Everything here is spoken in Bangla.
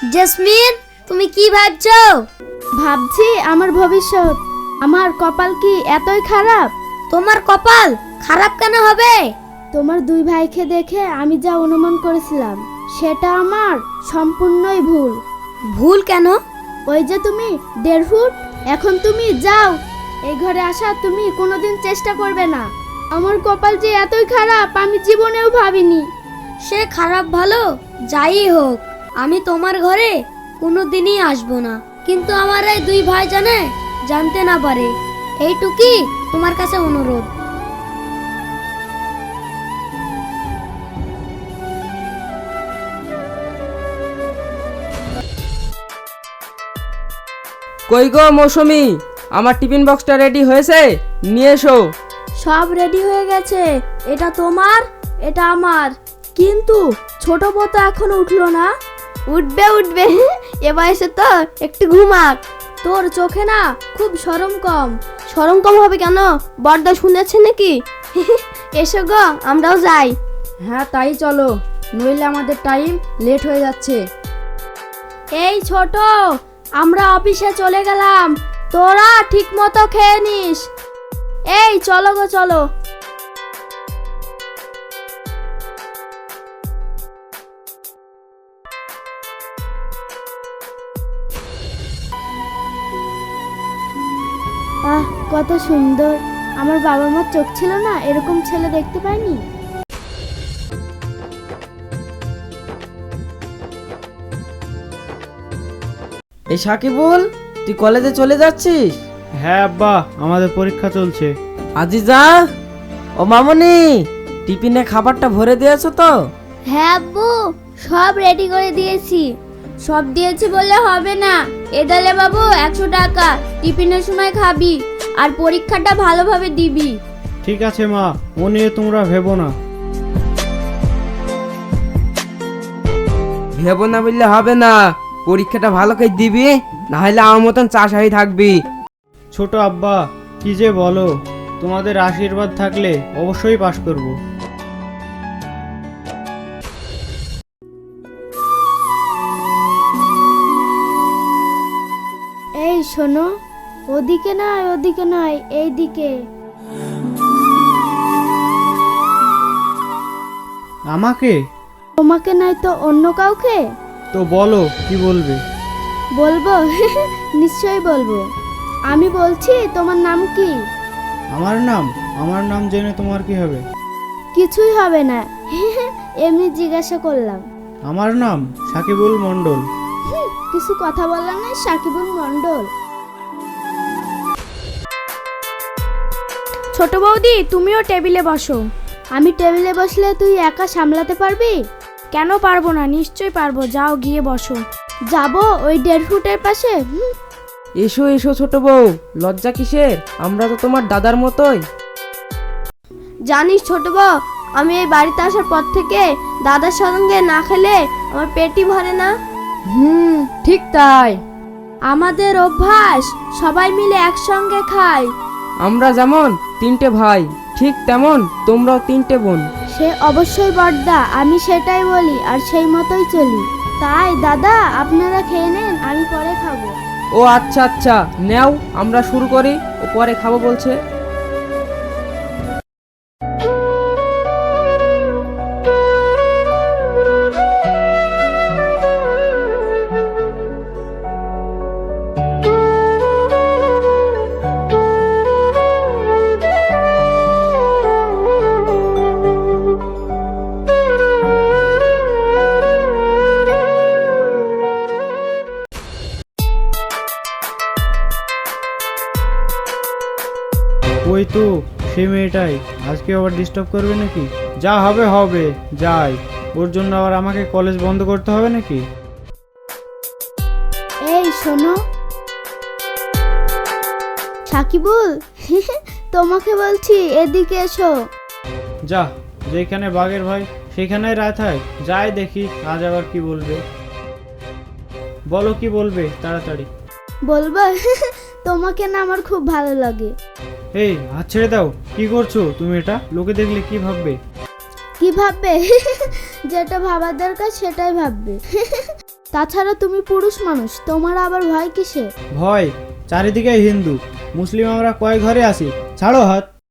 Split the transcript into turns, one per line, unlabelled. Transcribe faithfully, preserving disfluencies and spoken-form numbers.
জেসমিন, তুমি কি ভাবছো?
ভাবছি আমার ভবিষ্যৎ। আমার কপাল কি এতই খারাপ?
তোমার কপাল খারাপ কেন হবে?
তোমার দুই ভাইকে দেখে আমি যা অনুমান করেছিলাম সেটা আমার সম্পূর্ণই ভুল।
ভুল কেন?
ওই যে তুমি দেড় ফুট, এখন তুমি যাও। এই ঘরে আসা তুমি কোনোদিন চেষ্টা করবে না। আমার কপাল যে এতই খারাপ আমি জীবনেও ভাবিনি।
সে খারাপ ভালো যাই হোক, আমি তোমার ঘরে কোনোদিনই আসবো না। কিন্তু আমার এই দুই ভাই জানে জানতে না পারে, এইটুকুই তোমার কাছে অনুরোধ।
কই গো মৌসুমি, আমার টিফিন বক্সটা রেডি হয়েছে, নিয়ে এসো।
সব রেডি হয়ে গেছে। এটা তোমার, এটা আমার। কিন্তু ছোট বউ তো এখনো উঠলো না। উঠবে উঠবে এ বয়সে তো একটু ঘুমাক। তোর চোখে না খুব শরম কম। শরম কম হবে কেন? বড়দা শুনেছে নাকি? এসো গো, আমরাও যাই।
হ্যাঁ তাই চলো, নইলে আমাদের টাইম লেট হয়ে যাচ্ছে।
এই ছোট, আমরা অফিসে চলে গেলাম, তোরা ঠিক মতো খেয়ে নিস। এই চলো গো চলো। আহ কত সুন্দর। আমার বাবা মার চোখ ছিল না, এরকম ছেলে দেখতে পাইনি।
এই সাকিবুল, তুই কলেজে চলে যাচ্ছিস?
হ্যাঁ আব্বা, আমাদের পরীক্ষা চলছে।
আজিজা, ও মামনি, টিফিনে খাবারটা ভরে দিয়েছো তো?
হ্যাঁ আব্বু, সব রেডি করে দিয়েছি। সব দিয়েছি বললে হবে না। এদালে বাবু একশো টাকা, টিফিনের সময় খাবি আর পরীক্ষাটা ভালোভাবে দিবি।
ঠিক আছে মা, ও নিয়ে তোমরা ভেবো না।
ভেবো না বললে হবে না, পরীক্ষাটা ভালো করে দিবি, না হলে আমার মতন চাষাই থাকবি।
ছোট আব্বা, কি যে বলো, তোমাদের আশীর্বাদ থাকলে অবশ্যই পাশ করব।
এই শোনো, ওদিকে নয় ওদিকে নয়, এইদিকে।
আমাকে?
তোমাকে নয় তো অন্য কাউকে?
তো বলো কি বলবে।
বলবো নিশ্চয়ই বলবো। আমি বলছি, তোমার নাম কি?
আমার নাম? আমার নাম জেনে তোমার কি হবে?
কিছুই হবে না, এমনি জিজ্ঞাসা করলাম।
আমার নাম সাকিবুল মণ্ডল।
হুম, কিছু কথা বললাম না, সাকিবুল মণ্ডল। ছোট বৌদি, তুমিও টেবিলে বসো। আমি টেবিলে বসলে তুই একা সামলাতে পারবি? কেন পারবো না, নিশ্চয়ই পারবো। যাও গিয়ে বসো। যাবো ওই দেড় ফুটের পাশে? হুম।
এসো এসো ছোট বউ, লজ্জা কিসের? আমরা তো তোমার দাদার মতোই।
জানিস ছোট বউ, আমি এই বাড়িতে আসার পর থেকে দাদার সঙ্গে না খেলে আমার পেটই ভরে না।
হুম, ঠিক তাই।
আমাদের অভ্যাস সবাই মিলে একসঙ্গে খাই।
আমরা যেমন তিনটে ভাই, ঠিক তেমন তোমরাও তিনটে বোন।
সে অবশ্যই বড়দা, আমি সেটাই বলি আর সেই মতোই চলি। তাই দাদা, আপনারা খেয়ে নেন, আমি পরে খাবো।
ও আচ্ছা আচ্ছা, নেও আমরা শুরু করি, ও পরে খাবো বলছে।
ওই তো সেই মেয়েটাই, আজকে আবার ডিস্টার্ব করবে নাকি? যা হবে হবে, যাই। ওর জন্য আবার আমাকে কলেজ বন্ধ করতে হবে নাকি?
এই শোনো সাকিবুল, তোমাকে বলছি, এদিকে এসো।
যা, যেখানে বাঘের ভাই সেখানেই রাত হয়। যাই দেখি আজ আবার কি বলবে। বলো কি বলবে তাড়াতাড়ি।
বলবো, তোমাকে না আমার খুব ভালো লাগে।
এই হাত ছেড়ে দাও, কি করছো তুমি এটা? লোকে দেখলে কি ভাববে?
কি ভাববে? যেটা ভাবার দরকার সেটাই ভাববে। তাছাড়া তুমি পুরুষ মানুষ, তোমার আবার ভয় কিসে?
ভয়? চারিদিকে হিন্দু মুসলিম, আমরা কয় ঘরে আছি, ছাড়ো হাত।